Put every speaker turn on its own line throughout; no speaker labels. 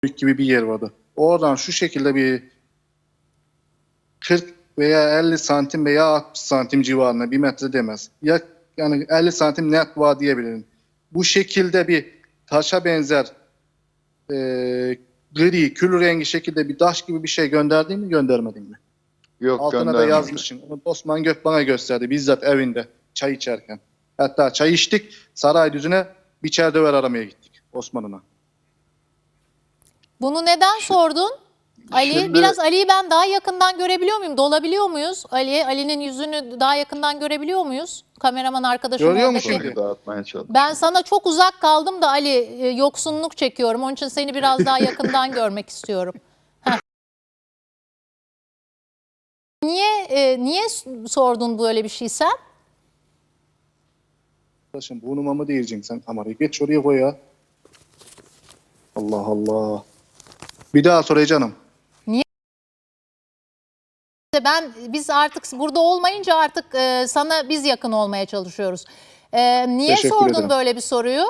gibi bir yer vardı. Oradan şu şekilde bir 40 veya 50 santim veya 60 santim civarında, 1 metre demez. Yani 50 santim net var diyebilirim. Bu şekilde bir taşa benzer gri, kül rengi şekilde bir taş gibi bir şey gönderdin mi, göndermedin mi?
Yok,
Altına da
göndermedim.
yazmışsın. Onu Osman Gök bana gösterdi bizzat evinde çay içerken. Hatta çay içtik, Saraydüzü'ne bir çerdöver aramaya gittik Osman'ına.
Bunu neden sordun? Ali,
Şimdi-
biraz Ali'yi ben daha yakından görebiliyor muyum? Dolabiliyor muyuz? Ali'nin yüzünü daha yakından görebiliyor muyuz? Kameraman arkadaşım
Görüyor
oradaki.
musun?
Konuyu dağıtmaya çalışıyorum.
Ben sana çok uzak kaldım da Ali, yoksunluk çekiyorum. Onun için seni biraz daha yakından görmek istiyorum. Heh. Niye sordun böyle bir şey sen?
Arkadaşım burnuma mı diyeceksin sen kamerayı? Geç oraya koy ya. Allah Allah. Bir daha sorayım canım.
Biz artık burada olmayınca artık sana biz yakın olmaya çalışıyoruz. Niye
Teşekkür
sordun
ederim.
böyle bir soruyu?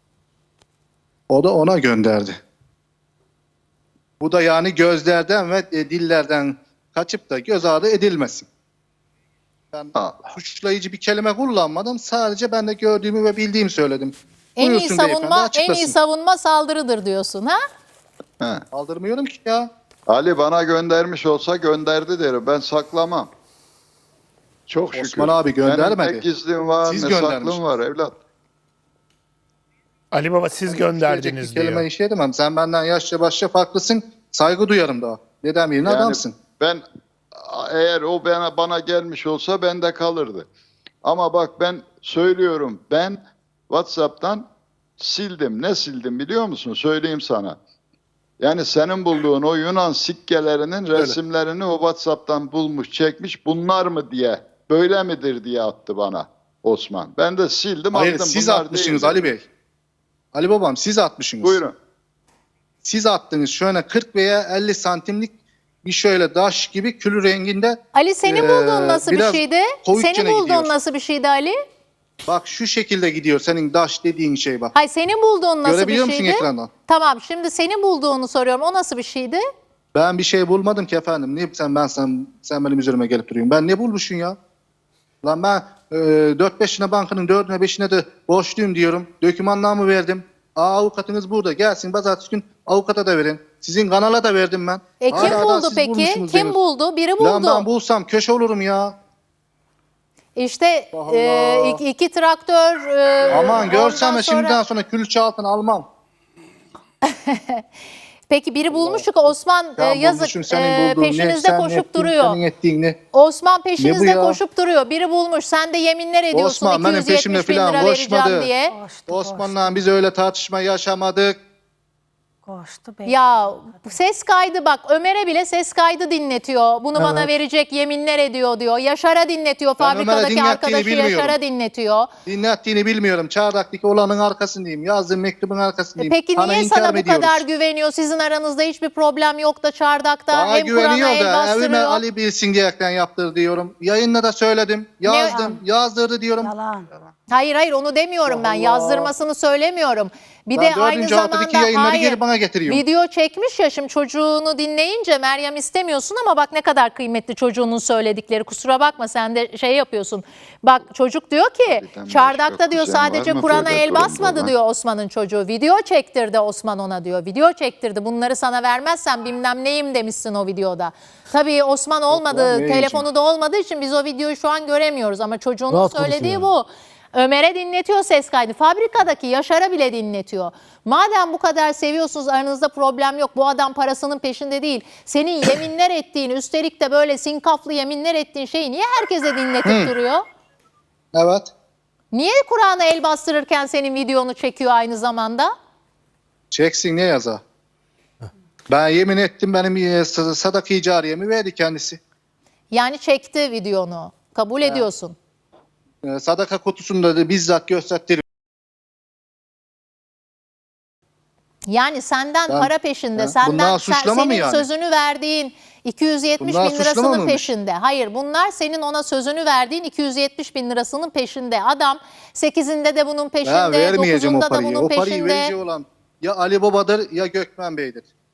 O da ona gönderdi. Bu da yani gözlerden ve dillerden kaçıp da göz ardı edilmesin. Ben
Allah.
suçlayıcı bir kelime kullanmadım. Sadece ben de gördüğümü ve bildiğimi söyledim.
En iyi
Buyursun beyefendi,
savunma, en
açıklasın.
iyi savunma saldırıdır diyorsun ha?
He.
Aldırmıyorum ki ya.
Ali bana göndermiş olsa gönderdi derim. Ben saklamam. Çok şükür.
Osman abi göndermedi.
Benim ne gizlim var,
Siz
ne
göndermişsiniz.
saklım var evlat.
Ali Baba siz gönderdiniz
Söyleyecek bir kelime
diyor.
işe edemem. Sen benden yaşça başça farklısın. Saygı duyarım daha. Dedem yerine
Yani
adamsın.
ben eğer o bana gelmiş olsa bende kalırdı. Ama bak ben söylüyorum, ben WhatsApp'tan sildim. Ne sildim biliyor musun? Söyleyeyim sana. Yani senin bulduğun o Yunan sikkelerinin resimlerini o WhatsApp'tan bulmuş, çekmiş. Bunlar mı diye, böyle midir diye attı bana Osman. Ben de sildim,
Hayır
aldım.
siz
Bunlar
atmışsınız
değil
Ali
dedim.
Bey. Ali babam siz atmışsınız.
Buyurun.
Siz attınız şöyle 40 veya 50 santimlik bir şöyle taş gibi külü renginde.
Ali senin bulduğun nasıl bir
biraz
şeydi?
koyukçene
Senin bulduğun
gidiyor.
nasıl bir şeydi Ali?
Bak şu şekilde gidiyor senin taş dediğin şey bak.
Hayır, senin bulduğun nasıl bir
Görebiliyor musun
şeydi?
ekrandan?
Tamam, şimdi senin bulduğunu soruyorum. O nasıl bir şeydi?
Ben bir şey bulmadım ki efendim. Niye sen benim üzerime gelip duruyorsun? Ben ne bulmuşsun ya? Lan ben 4-5'ine bankanın 4'üne 5'ine de borçluyum diyorum. Dokümanlarımı verdim. Avukatınız burada. Gelsin pazartesi gün avukata da verin. Sizin kanala da verdim ben.
Kim
Hala daha
buldu
siz
peki?
bulmuşsunuz
Kim
diyorsunuz.
buldu? Biri buldu.
Lan ben bulsam köşe olurum ya.
İşte
Allah.
iki traktör.
Aman görsem
ondan
de şimdiden sonra külçe altına almam.
Peki biri bulmuş çünkü Osman
Ya
yazık
bulmuşum senin bulduğun
peşinizde
sen
koşup
ettiğin,
duruyor.
Senin ettiğin ne?
Osman
Ne
peşinizde
bu ya?
koşup duruyor. Biri bulmuş. Sen de yeminler ediyorsun
Osman benim
270
peşimde
bin lira
falan
vereceğim
koşmadı.
diye.
Osman'la biz öyle tartışma yaşamadık.
Koştu
Ya ses kaydı bak, Ömer'e bile ses kaydı dinletiyor. Bunu bana verecek, yeminler ediyor diyor. Yaşar'a dinletiyor.
Ben Ömer'e
Fabrikadaki
dinlettiğini
arkadaşı
bilmiyorum.
Yaşar'a dinletiyor.
Dinlettiğini bilmiyorum. Çardak'taki olanın arkasındayım. Yazdığım mektubun arkasındayım.
Peki
Sana
niye
inkar
sana
mı
bu
ediyoruz?
kadar güveniyor? Sizin aranızda hiçbir problem yok da Çardak'ta
Bana
hem Kur'an'a
güveniyor
el
da evime
bastırıyor.
Ali bilsin diyerekten yaptır diyorum. Yayında da söyledim. Yazdım. Yazdırdı diyorum.
Yalan.
Hayır onu demiyorum ben.
Allah.
Yazdırmasını söylemiyorum. Bir
Ben
de aynı
4. haftadaki
zamanda
yayınları geri bana getiriyor.
video çekmiş ya, şimdi çocuğunu dinleyince Meryem istemiyorsun ama bak ne kadar kıymetli çocuğunun söyledikleri. Kusura bakma sen de şey yapıyorsun. Bak çocuk diyor ki
Bizden
Çardak'ta
başka
diyor
kuzen var
sadece
mı
Kur'an'a
böyle
el
durumda
basmadı
olan?
diyor Osman'ın çocuğu. Video çektirdi Osman ona diyor. Video çektirdi. Bunları sana vermezsen bilmem neyim demişsin o videoda. Tabii Osman olmadı,
ne
telefonu da olmadığı için biz o videoyu şu an göremiyoruz ama çocuğunun
Rahat
söylediği
konuşuyor.
bu. Ömer'e dinletiyor ses kaydı. Fabrikadaki Yaşar'a bile dinletiyor. Madem bu kadar seviyorsunuz, aranızda problem yok. Bu adam parasının peşinde değil. Senin yeminler ettiğin, üstelik de böyle sinkaflı yeminler ettiğin şeyi niye herkese dinletip duruyor?
Evet.
Niye Kur'an'a el bastırırken senin videonu çekiyor aynı zamanda?
Çeksin ne yaza? Ben yemin ettim benim sadaka-i cariyemi verdi kendisi.
Yani çekti videonu. Kabul ediyorsun.
Sadaka kutusunda da bizzat gösterdi.
Yani senden
Ben-
para peşinde,
Ha,
senden
bunlar suçlama mı
senin
yani?
sözünü verdiğin 270
Bunlar
bin
suçlama
lirasının
mıymış?
peşinde. Hayır, bunlar senin ona sözünü verdiğin 270 bin lirasının peşinde. Adam 8'inde de bunun
Ben
peşinde,
vermeyeceğim o
9'unda da
parayı.
bunun
O parayı
peşinde.
verici olan ya Ali Baba'dır ya Gökmen Bey'dir.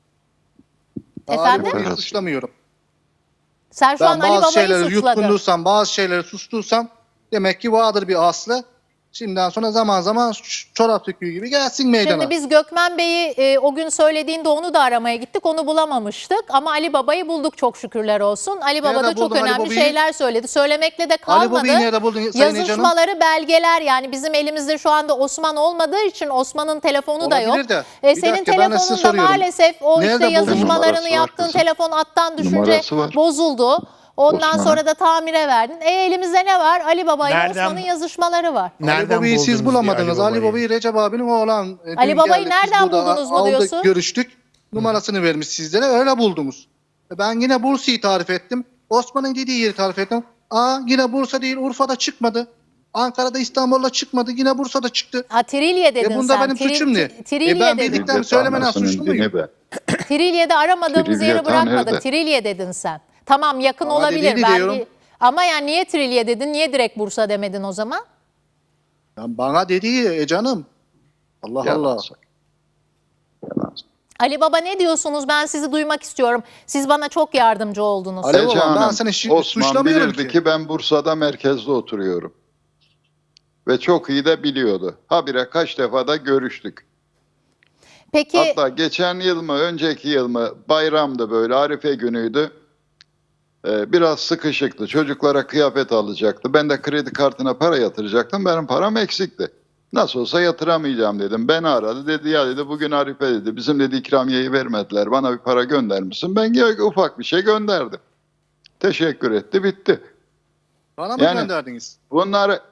Ali
Efendim?
Baba'yı suçlamıyorum.
Sen şu an
Ben
Ali
bazı
Baba'yı
şeyleri
suçladın.
yutkundursam, bazı şeyleri sustursam demek ki vardır bir aslı. Şimdiden sonra zaman zaman çorap söküğü gibi gelsin meydana.
Şimdi biz Gökmen Bey'i o gün söylediğinde onu da aramaya gittik. Onu bulamamıştık ama Ali Baba'yı bulduk çok şükürler olsun. Ali Baba
Nerede
da çok
buldun Ali
önemli
Baba'yı?
şeyler söyledi. Söylemekle de
Ali
kalmadı.
Baba'yı nerede buldun Sayın Ece Hanım?
Yazışmaları, belgeler, yani bizim elimizde şu anda Osman olmadığı için Osman'ın telefonu da yok.
Olabilir de. Bir
Senin
dakika, ben de size
telefonunda
soruyorum.
maalesef o
Nerede
işte
buldun?
yazışmalarını
Numarası var
yaptığın
kızım.
telefon attan düşünce
Numarası var.
bozuldu. Ondan
Osman'a.
sonra da tamire verdin. Elimizde ne var? Ali Baba ile
Nereden-
Osman'ın yazışmaları var.
Ali
Nereden
Baba'yı siz
buldunuz diye
bulamadınız. Ali Baba'yı Recep abinin oğlan.
Ali
dün
Baba'yı
geldik, biz
nereden
burada
buldunuz mu
aldık,
diyorsun?
görüştük. Numarasını vermiş sizlere, öyle buldunuz. Ben yine Bursa'yı tarif ettim. Osman'ın dediği yeri tarif ettim. Yine Bursa değil, Urfa'da çıkmadı. Ankara'da, İstanbul'da çıkmadı. Yine Bursa'da çıktı.
Trilye dedin
Bunda
sen.
benim suçum ne?
Trilye
Ben
dedin.
bildiklerimi söylemeden
Anasının
suçlu muyum?
dini be.
Trilye'de aramadığımız
Trilye
yeri
tam
bırakmadık.
nerede?
Trilye dedin sen. Tamam, yakın
Ama
olabilir.
dediğini diyorum.
Ama yani niye Trilye dedin? Niye direkt Bursa demedin o zaman?
Ya bana dediği canım. Allah
Yalan
Allah.
söyle. Yalan söyle.
Ali Baba ne diyorsunuz? Ben sizi duymak istiyorum. Siz bana çok yardımcı oldunuz.
Ali
Ece
Baba, ben
Hanım,
seni
Osman
suçlamıyorum
bilirdi
ki.
ki ben Bursa'da merkezde oturuyorum. Ve çok iyi de biliyordu. Habire kaç defa da görüştük.
Peki
Hatta geçen yıl mı, önceki yıl mı bayramdı, böyle Arife günüydü. Biraz sıkışıktı. Çocuklara kıyafet alacaktı. Ben de kredi kartına para yatıracaktım. Benim param eksikti. Nasıl olsa yatıramayacağım dedim. Beni aradı. Dedi ya dedi bugün Arife dedi. Bizim dedi ikramiyeyi vermediler. Bana bir para gönder misin? Ben ufak bir şey gönderdim. Teşekkür etti. Bitti.
Bana mı
Yani-
gönderdiniz?
Bunları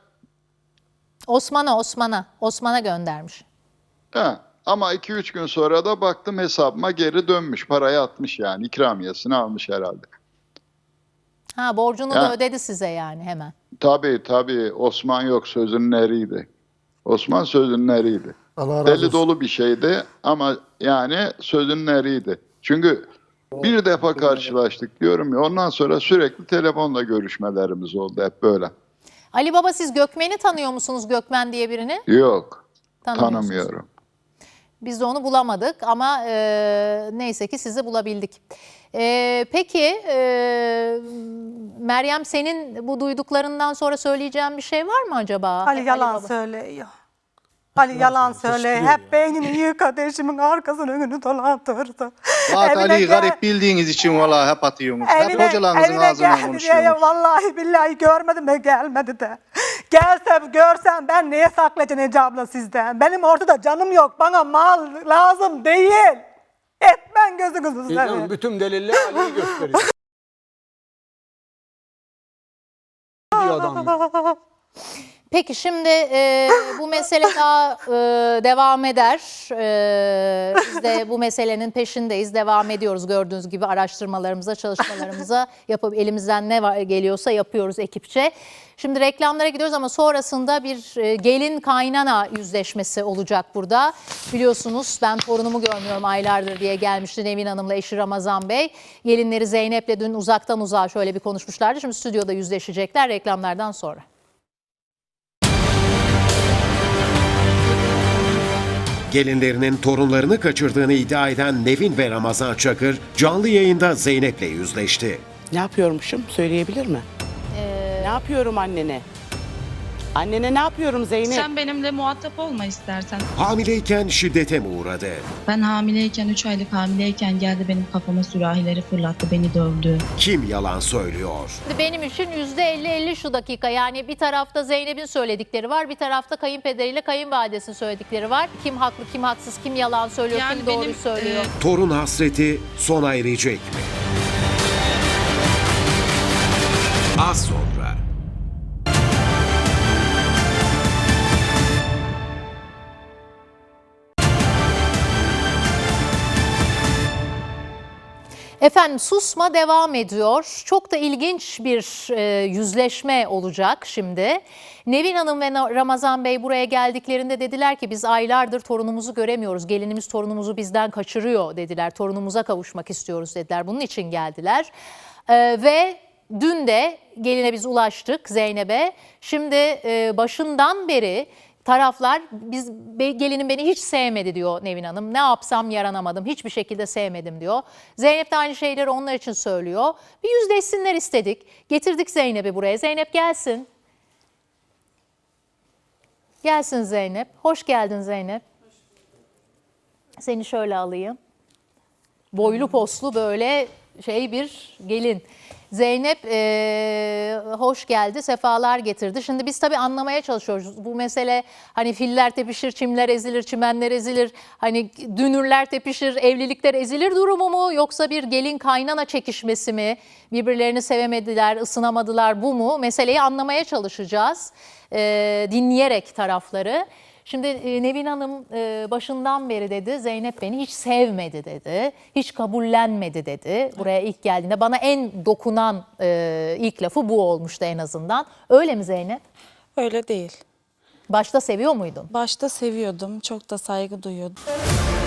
Osman'a göndermiş.
ama 2-3 gün sonra da baktım hesabıma geri dönmüş. Parayı atmış yani. İkramiyesini almış herhalde.
Borcunu
Ha.
da ödedi size yani hemen.
Tabii Osman yok, sözünün eriydi. Osman sözünün eriydi.
Allah razı
Deli
olsun.
dolu bir şeydi ama yani sözünün eriydi. Çünkü bir defa karşılaştık diyorum ya, ondan sonra sürekli telefonla görüşmelerimiz oldu hep böyle.
Ali Baba, siz Gökmen'i tanıyor musunuz? Gökmen diye birini?
Yok,
Tanımıyorsunuz.
tanımıyorum.
Biz de onu bulamadık ama neyse ki sizi bulabildik. Peki Meryem, senin bu duyduklarından sonra söyleyeceğin bir şey var mı acaba?
Ali yalan
Baba.
söylüyor. Ali yalan söyle. Hep beynini yıkadı, eşimin arkasını önünü dolandırdı.
Bak
Evine
Ali,
gel-
garip bildiğiniz için vallahi hep atıyorsunuz. Hep
Evine,
hocalarınızın
evine
ağzından
geldi diye
konuşuyorsunuz.
vallahi billahi görmedim de gelmedi de. Gelsem görsem ben neye saklayacağım Ece abla sizden? Benim ortada canım yok. Bana mal lazım değil. Etmen gözünüzü
İlhan
seveyim.
bütün deliller Ali'yi gösteriyor. diyor adam.
Peki şimdi bu mesele daha devam eder. Biz de bu meselenin peşindeyiz. Devam ediyoruz gördüğünüz gibi araştırmalarımıza, çalışmalarımıza yapıp elimizden ne geliyorsa yapıyoruz ekipçe. Şimdi reklamlara gidiyoruz ama sonrasında bir gelin kaynana yüzleşmesi olacak burada. Biliyorsunuz ben torunumu görmüyorum aylardır diye gelmişti Nevin Hanım'la eşi Ramazan Bey. Gelinleri Zeynep'le dün uzaktan uzağa şöyle bir konuşmuşlardı. Şimdi stüdyoda yüzleşecekler reklamlardan sonra.
Gelinlerinin torunlarını kaçırdığını iddia eden Nevin ve Ramazan Çakır canlı yayında Zeynep'le yüzleşti.
Ne yapıyormuşum? Söyleyebilir mi? Ne yapıyorum annene? Annene ne yapıyorum Zeynep?
Sen benimle muhatap olma istersen.
Hamileyken şiddete mi uğradı?
Ben hamileyken, 3 aylık hamileyken geldi benim kafama sürahileri fırlattı, beni dövdü.
Kim yalan söylüyor?
Benim için %50-50 şu dakika, yani bir tarafta Zeynep'in söyledikleri var, bir tarafta kayınpederiyle kayınvalidesinin söyledikleri var. Kim haklı, kim haksız, kim yalan söylüyor,
Yani
kim doğruyu
benim,
söylüyor.
Torun hasreti sona erecek mi? Az sonra.
Efendim, susma devam ediyor. Çok da ilginç bir yüzleşme olacak şimdi. Nevin Hanım ve Ramazan Bey buraya geldiklerinde dediler ki biz aylardır torunumuzu göremiyoruz. Gelinimiz torunumuzu bizden kaçırıyor dediler. Torunumuza kavuşmak istiyoruz dediler. Bunun için geldiler. Ve dün de geline biz ulaştık, Zeynep'e. Şimdi başından beri taraflar gelinin beni hiç sevmedi diyor Nevin Hanım. Ne yapsam yaranamadım. Hiçbir şekilde sevmedim diyor. Zeynep de aynı şeyleri onlar için söylüyor. Bir yüzleşsinler istedik. Getirdik Zeynep'i buraya. Zeynep gelsin. Gelsin Zeynep. Hoş geldin Zeynep. Seni şöyle alayım. Boylu poslu böyle bir gelin. Zeynep hoş geldi, sefalar getirdi. Şimdi biz tabii anlamaya çalışıyoruz. Bu mesele hani filler tepişir, çimler ezilir, çimenler ezilir. Hani dünürler tepişir, evlilikler ezilir durumu mu? Yoksa bir gelin kaynana çekişmesi mi? Birbirlerini sevemediler, ısınamadılar, bu mu? Meseleyi anlamaya çalışacağız. Dinleyerek tarafları. Şimdi Nevin Hanım başından beri dedi Zeynep beni hiç sevmedi dedi. Hiç kabullenmedi dedi. Buraya ilk geldiğinde bana en dokunan ilk lafı bu olmuştu en azından. Öyle mi Zeynep?
Öyle değil.
Başta seviyor muydun?
Başta seviyordum, çok da saygı duyuyordum.